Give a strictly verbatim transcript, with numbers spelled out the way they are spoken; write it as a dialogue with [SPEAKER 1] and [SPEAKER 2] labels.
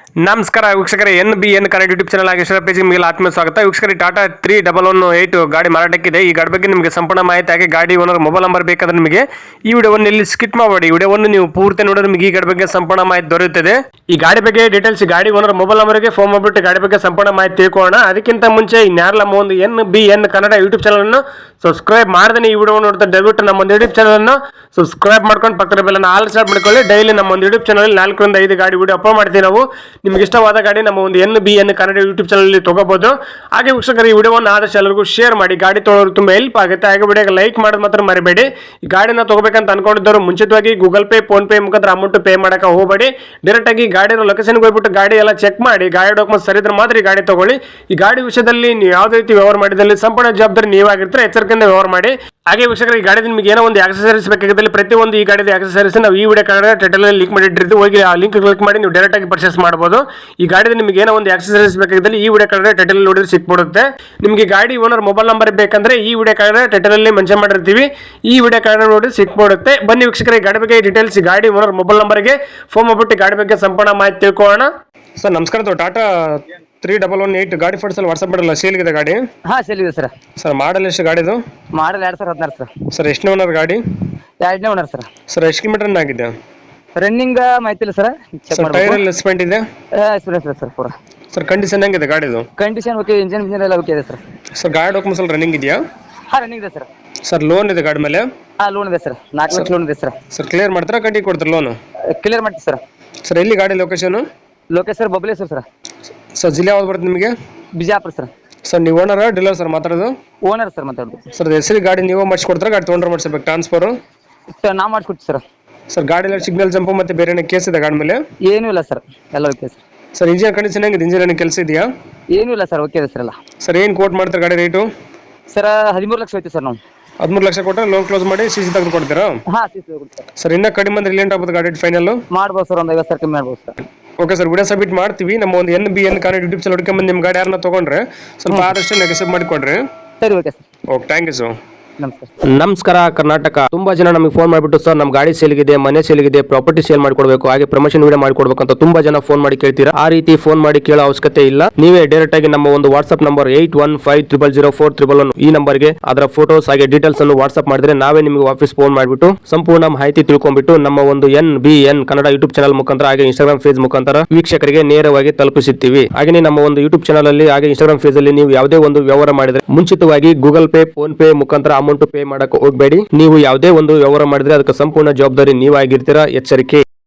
[SPEAKER 1] ನಮಸ್ಕಾರ ವೀಕ್ಷಕರೇ, N B N Kannada YouTube channel ಆಗಿ ಪೇಜ್ ನಿಮಗೆ ಆತ್ಮೀಯ ಸ್ವಾಗತ. ವೀಕ್ಷಕರೇ, Tata three double one eight ಗಾಡಿ ಮಾರಾಟಕ್ಕಿದೆ. ಈ ಗಾಡಿ ಬಗ್ಗೆ ನಿಮಗೆ ಸಂಪೂರ್ಣ ಮಾಹಿತಿ ಹಾಗೆ ಗಾಡಿ ಓನರ್ ಮೊಬೈಲ್ ನಂಬರ್ ಬೇಕಾದ್ರೆ ನಿಮಗೆ ಈ ವಿಡಿಯೋವನ್ನು ಇಲ್ಲಿ ಸ್ಕಿಪ್ ಮಾಡಬೇಡಿ. ಈ ವಿಡಿಯೋವನ್ನು ನೀವು ಪೂರ್ತಿ ನೋಡಿದ್ರೆ ನಿಮಗೆ ಈ ಗಾಡಿ ಬಗ್ಗೆ ಸಂಪೂರ್ಣ ಮಾಹಿತಿ ದೊರೆಯುತ್ತದೆ. ಈ ಗಾಡಿ ಬಗ್ಗೆ ಡೀಟೇಲ್ಸ್ ಗಾಡಿ ಓನರ್ ಮೊಬೈಲ್ ನಂಬರ್ಗೆ ಫೋನ್ ಮಾಡಿಬಿಟ್ಟು ಗಾಡಿ ಬಗ್ಗೆ ಸಂಪೂರ್ಣ ಮಾಹಿತಿ ತಿಳ್ಕೊಳ್ಳೋಣ. ಅದಕ್ಕಿಂತ ಮುಂಚೆ ಇನ್ಯಾರಲ್ಲ ನಮ್ಮ ಒಂದು N B N Kannada YouTube channel ಅನ್ನು ಸಬ್ಸ್ಕ್ರೈಬ್ ಮಾಡದೇ ಈ ವಿಡಿಯೋ ನೋಡ್ತಾ ದಯವಿಟ್ಟು ನಮ್ಮ ಒಂದು ಯೂಟ್ಯೂಬ್ ಚಾನಲ್ ಅನ್ನು ಸಬ್ಸ್ಕ್ರೈಬ್ ಮಾಡ್ಕೊಂಡು ಪಕ್ಕದ ಬೆಲ್ಲನ್ನು ಆಲ್ ಸ್ಟಾರ್ಟ್ ಮಾಡ್ಕೊಳ್ಳಿ. ಡೈಲಿ ನಮ್ಮ ಒಂದು ಯೂಟ್ಯೂಬ್ ಚಾನಲ್ ನಾಲ್ಕರಿಂದ ಐದು ಗಾಡಿ ವಿಡಿಯೋ ಅಪ್ಲೋಡ್ ಮಾಡ್ತೀವಿ. ನಾವು ನಿಮ್ಗೆ ಇಷ್ಟವಾದ ಗಾಡಿ ನಮ್ಮ ಒಂದು N B N Kannada YouTube channel ತಗೋಬಹುದು. ಹಾಗೆ ವೀಕ್ಷಕರು, ಈ ವಿಡಿಯೋವನ್ನು ಆದಷ್ಟು ಎಲ್ಲರಿಗೂ ಶೇರ್ ಮಾಡಿ. ಗಾಡಿ ತೊಗೊಳ್ಳೋರು ತುಂಬಾ ಹೆಲ್ಪ್ ಆಗುತ್ತೆ. ಹಾಗೆ ವಿಡಿಯೋಗೆ ಲೈಕ್ ಮಾಡೋದು ಮಾತ್ರ ಮರಿಬೇಡಿ. ಈ ಗಾಡಿನ ತಗೋಬೇಕಂತ ಅನ್ಕೊಂಡಿದ್ದವರು ಮುಂಚಿತವಾಗಿ ಗೂಗಲ್ ಪೇ ಫೋನ್ ಪೇ ಮುಖಾಂತರ ಅಮೌಂಟ್ ಪೇ ಮಾಡಕ್ಕೆ ಹೋಗಬೇಡಿ. ಡೈರೆಕ್ಟ್ ಆಗಿ ಗಾಡಿನ ಲೊಕೇಶನ್ಗೆ ಹೋಗ್ಬಿಟ್ಟು ಗಾಡಿ ಎಲ್ಲ ಚೆಕ್ ಮಾಡಿ, ಗಾಡಿ ಡಾಕ್ಯುಮೆಂಟ್ ಸರಿ ಇದ್ರೆ ಮಾತ್ರ ಈ ಗಾಡಿ ತಗೊಳ್ಳಿ. ಈ ಗಾಡಿ ವಿಷಯದಲ್ಲಿ ನೀವು ಯಾವುದೇ ರೀತಿ ವ್ಯವಹಾರ ಮಾಡಿದಲ್ಲಿ ಸಂಪೂರ್ಣ ಜವಾಬ್ದಾರಿ ನೀವಾಗಿರ್ತಾರೆ. ಎಚ್ಚರಿಕೆಯಿಂದ ವ್ಯವಹಾರ ಮಾಡಿ. ಹಾಗೆ ವೀಕ್ಷಕರು, ಈ ಗಾಡಿ ನಿಮಗೆ ಏನೋ ಒಂದು ಆಕ್ಸೆಸರೀಸ್ ಬೇಕಾಗಿದ್ದಲ್ಲಿ ಪ್ರತಿಯೊಂದು ಈ ಗಾಡಿದ ಆಕ್ಸೆಸರೀಸ್ ನಾವು ಈ ವಿಡಿಯೋ ಕಾರ್ಡ್ ಟೈಟಲ್ ಅಲ್ಲಿ ಲಿಂಕ್ ಮಾಡಿಟ್ಟಿರ್ತೀವಿ. ಹೋಗಿ ಆ ಲಿಂಕ್ ಕ್ಲಿಕ್ ಮಾಡಿ ನೀವು ಡೈರೆಕ್ಟ್ ಆಗಿ ಪರ್ಚೇಸ್ ಮಾಡಬಹುದು. ಈ ಗಾಡಿದ ನಿಮಗೆ ಏನೋ ಒಂದು ಆಕ್ಸೆಸರೀಸ್ ಬೇಕಾಗಿದ್ದಲ್ಲಿ ಈ ವಿಡಿಯೋ ಕಾರ್ಡ್ ಟೈಟಲ್ ನೋಡಿದ್ರೆ ಸಿಕ್ಬಿಡುತ್ತೆ. ನಿಮಗೆ ಗಾಡಿ ಓನರ್ ಮೊಬೈಲ್ ನಂಬರ್ ಬೇಕಂದ್ರೆ ಈ ವಿಡಿಯೋ ಕಾರ್ಡ್ ಟೈಟಲ್ ಅಲ್ಲಿ ಮೆನ್ಷನ್ ಮಾಡಿರ್ತೀವಿ. ಈ ವಿಡಿಯೋ ಕಾರ್ಡ್ ನೋಡಿ ಸಿಕ್ಬಿಡುತ್ತೆ. ಬನ್ನಿ ವೀಕ್ಷಕರೇ, ಈ ಗಾಡಿ ಬಗ್ಗೆ ಡೀಟೇಲ್ಸ್ ಗಾಡಿ ಓನರ್ ಮೊಬೈಲ್ ನಂಬರ್ಗೆ ಫೋನ್ ಮಾಡ್ಬಿಟ್ಟು ಗಾಡಿ ಬಗ್ಗೆ ಸಂಪೂರ್ಣ ಮಾಹಿತಿ ತಿಳ್ಕೊಳ್ಳೋಣ. ಸರ್ ನಮಸ್ಕಾರ. Tata three double one eight ಗಾಡಿ ಫೋಟೋಸ್ ವಾಟ್ಸ್ಆಪ್ ಮಾಡಲ್ಲ, ಸೇಲ್ ಇದೆ ಗಾಡಿ?
[SPEAKER 2] ಹಾ ಸೇಲ್ ಇದೆ ಸರ್.
[SPEAKER 1] ಸರ್ ಮಾಡಲ್ ಎಷ್ಟು ಗಾಡಿದು?
[SPEAKER 2] ಮಾಡಲ್ ಎರಡ್ ಸಾವಿರದ ಹದಿನಾರು ಸರ್.
[SPEAKER 1] ಸರ್ ಎಷ್ಟನೇ ಓನರ್ ಗಾಡಿ?
[SPEAKER 2] ಎರಡನೇ ಓನರ್ ಸರ್.
[SPEAKER 1] ಸರ್ ಎಷ್ಟು ಕಿಲೋಮೀಟರ್ ರನ್ ಆಗಿದೆ?
[SPEAKER 2] ರನ್ನಿಂಗ್ ಮಾಹಿತಿ ಇಲ್ಲ ಸರ್, ಚೆಕ್
[SPEAKER 1] ಟೈರ್
[SPEAKER 2] ಮಾಡಬೇಕು.
[SPEAKER 1] ಎಲ್ಲ ಸ್ಪೆಂಟ್ ಇದೆ?
[SPEAKER 2] ಎಕ್ಸ್ಪೀರಿಯನ್ಸ್ ಇದೆ ಸರ್ ಪೂರಾ.
[SPEAKER 1] ಸರ್ ಕಂಡೀಷನ್ ಹೆಂಗಿದೆ ಗಾಡಿದು?
[SPEAKER 2] ಕಂಡೀಷನ್ ಓಕೆ, ಇಂಜಿನ್ ಇಂಜಿನ್ ಎಲ್ಲ ಓಕೆ ಇದೆ ಸರ್.
[SPEAKER 1] ಸರ್ ಗಾಡಿ ಡಾಕ್ಯುಮೆಂಟ್ಸ್ ಎಲ್ಲ ರನ್ನಿಂಗ್ ಇದೆಯಾ?
[SPEAKER 2] ಹಾ ರನ್ನಿಂಗ್ ಇದೆ ಸರ್.
[SPEAKER 1] ಸರ್ ಲೋನ್ ಇದೆ ಗಾಡಿ ಮೇಲೆ?
[SPEAKER 2] ಹಾ ಲೋನ್ ಇದೆ ಸರ್, ನಾಲ್ಕು ಲಕ್ಷ ಲೋನ್ ಇದೆ ಸರ್.
[SPEAKER 1] ಸರ್ ಕ್ಲಿಯರ್ ಮಾಡ್ತಾರಾ ಕಟ್ಟಿ ಕೊಡ್ತಾರೆ ಲೋನು?
[SPEAKER 2] ಕ್ಲಿಯರ್ ಮಾಡ್ತೀವಿ ಸರ್.
[SPEAKER 1] ಸರ್ ಎಲ್ಲಿ ಗಾಡಿ location?
[SPEAKER 2] Lokesh sir Babaleshwar sir.
[SPEAKER 1] Sir ಜಿಲ್ಲೆ ಯಾವ್ದು ಬರುತ್ತೆ ನಿಮಗೆ?
[SPEAKER 2] ಬಿಜಾಪುರ ಸರ್.
[SPEAKER 1] ಸರ್ ನೀವು ಓನರ್ ಡೀಲರ್ ಸರ್ ಮಾತಾಡೋದು?
[SPEAKER 2] ಓನರ್ ಸರ್ ಮಾತಾಡೋದು.
[SPEAKER 1] ಸರ್ ಹೆಸರು ಗಾಡಿ ನೀವು ಮಾಡಿಸ್ಕೊಡ್ತಾರೆ ಗಾಡಿ ತೊಗೊಂಡ್ರೆ ಮಾಡಿಸ್ಬೇಕು ಟ್ರಾನ್ಸ್ಫರ್?
[SPEAKER 2] ಸರ್ ನಾ ಮಾಡಿಸ್ಕೊಡ್ತೀವಿ ಸರ್.
[SPEAKER 1] ಸರ್ ಗಾಡಿ ಎಲ್ಲ ಸಿಗ್ನಲ್ ಜಂಪು ಮತ್ತೆ ಬೇರೆ ಏನೋ ಕೇಸ್ ಇದೆ ಗಾಡಿ ಮೇಲೆ?
[SPEAKER 2] ಏನೂ ಇಲ್ಲ ಸರ್, ಎಲ್ಲ okay sir.
[SPEAKER 1] Sir engine condition ಹೆಂಗಿದೆ? ಇಂಜಿನ್ ಏನು ಕೆಲಸ ಇದೆಯಾ?
[SPEAKER 2] ಏನೂ ಇಲ್ಲ ಸರ್, ಓಕೆ ಇದೆ ಸರ್ ಎಲ್ಲ.
[SPEAKER 1] ಸರ್ ಏನು ಕೋಟ್ ಮಾಡ್ತಾರೆ ಗಾಡಿ ರೇಟು?
[SPEAKER 2] ಸರ್ ಹದಿಮೂರು ಲಕ್ಷ ಹೋಯ್ತು ಸರ್ ನಾವು.
[SPEAKER 1] ಹದಿಮೂರು ಲಕ್ಷ ಕೊಟ್ಟರೆ ಲೋನ್ ಕ್ಲೋಸ್ ಮಾಡಿ ಸಿ ಸಿ ತೆಗೆದು ಕೊಡ್ತೀರಾ?
[SPEAKER 2] ಹಾ ಸಿ ಸಿ ಸರ್.
[SPEAKER 1] ಸರ್ ಇನ್ನೂ ಕಡಿಮೆ ಅಂದ್ರೆ ರಿಲೇಟ್ ಆಗ್ಬೋದು ಗಾಡಿ ಫೈನಲ್?
[SPEAKER 2] ಮಾಡ್ಬೋದು ಸರ್, ಒಂದು ಐವತ್ತು ಸಾವಿರ ಕಮ್ಮಿ ಮಾಡ್ಬೋದು sir.
[SPEAKER 1] Okay sir, video submit ಮಾಡ್ತೀವಿ. ನಮ್ಮ ಒಂದು N B N Kannada YouTube channel ಹುಡ್ಕೊಂಬಂದು ನಿಮ್ಮ ಗಾಡಿ ಯಾರನ್ನ ತೊಗೊಂಡ್ರೆ ಸ್ವಲ್ಪ ಆದಷ್ಟು ನೆಗೆಸಿವ್ ಮಾಡಿಕೊಡ್ರಿ.
[SPEAKER 2] ಸರಿ okay sir.
[SPEAKER 1] Okay, thank you sir.
[SPEAKER 2] ನಮಸ್ಕಾರ.
[SPEAKER 3] ನಮಸ್ಕಾರ ಕರ್ನಾಟಕ. ತುಂಬಾ ಜನ ನಮಗೆ ಫೋನ್ ಮಾಡಿಬಿಟ್ಟು ಸರ್ ನಮ್ಮ ಗಾಡಿ ಸೇಲ್ಗಿದೆ, ಮನೆ ಸೇಲ್ಗಿದೆ, ಪ್ರಾಪರ್ಟಿ ಸೇಲ್ ಮಾಡಿಕೊಡ್ಬೇಕು, ಹಾಗೆ ಪ್ರಮೋಷನ್ ವಿಡಿಯೋ ಮಾಡಿಕೊಡ್ಬೇಕು ಅಂತ ತುಂಬಾ ಜನ ಫೋನ್ ಮಾಡಿ ಕೇಳ್ತೀರಾ. ಆ ರೀತಿ ಫೋನ್ ಮಾಡಿ ಕೇಳೋ ಅವಶ್ಯಕತೆ ಇಲ್ಲ. ನೀವೇ ಡೈರೆಕ್ಟ್ ಆಗಿ ನಮ್ಮ ಒಂದು WhatsApp number eight one five triple zero four triple one ಈ ನಂಬರ್ಗೆ ಅದರ ಫೋಟೋಸ್ ಹಾಗೆ ಡೀಟೇಲ್ಸ್ ಅನ್ನು ವಾಟ್ಸ್ಆಪ್ ಮಾಡಿದ್ರೆ ನಾವೇ ನಿಮಗೆ ವಾಪಸ್ ಫೋನ್ ಮಾಡಿಬಿಟ್ಟು ಸಂಪೂರ್ಣ ಮಾಹಿತಿ ತಿಳ್ಕೊಂಡ್ಬಿಟ್ಟು ನಮ್ಮ ಒಂದು N B N Kannada YouTube channel ಮುಖಾಂತರ ಹಾಗೆ ಇನ್ಸ್ಟಾಗ್ರಾಮ್ ಪೇಜ್ ಮುಖಾಂತರ ವೀಕ್ಷಕರಿಗೆ ನೇರವಾಗಿ ತಲುಪಿಸುತ್ತೀವಿ. ಹಾಗೆ ನಮ್ಮ ಒಂದು ಯೂಟ್ಯೂಬ್ ಚಾನಲ್ ಅಲ್ಲಿ ಹಾಗೆ ಇನ್ಸ್ಟಾಗ್ರಾಮ್ ಪೇಜ್ ಅಲ್ಲಿ ನೀವು ಯಾವುದೇ ಒಂದು ವ್ಯವಹಾರ ಮಾಡಿದ್ರೆ ಮುಂಚಿತವಾಗಿ ಗೂಗಲ್ ಪೇ ಫೋನ್ ಪೇ ಮುಖಾಂತರ ಅಮೌಂಟ್ ಪೇ ಮಾಡಕ್ಕೆ ಹೋಗಬೇಡಿ. ನೀವು ಯಾವುದೇ ಒಂದು ವ್ಯವಹಾರ ಮಾಡಿದ್ರೆ ಅದಕ್ಕೆ ಸಂಪೂರ್ಣ ಜವಾಬ್ದಾರಿ ನೀವಾಗಿರ್ತೀರಾ. ಎಚ್ಚರಿಕೆ.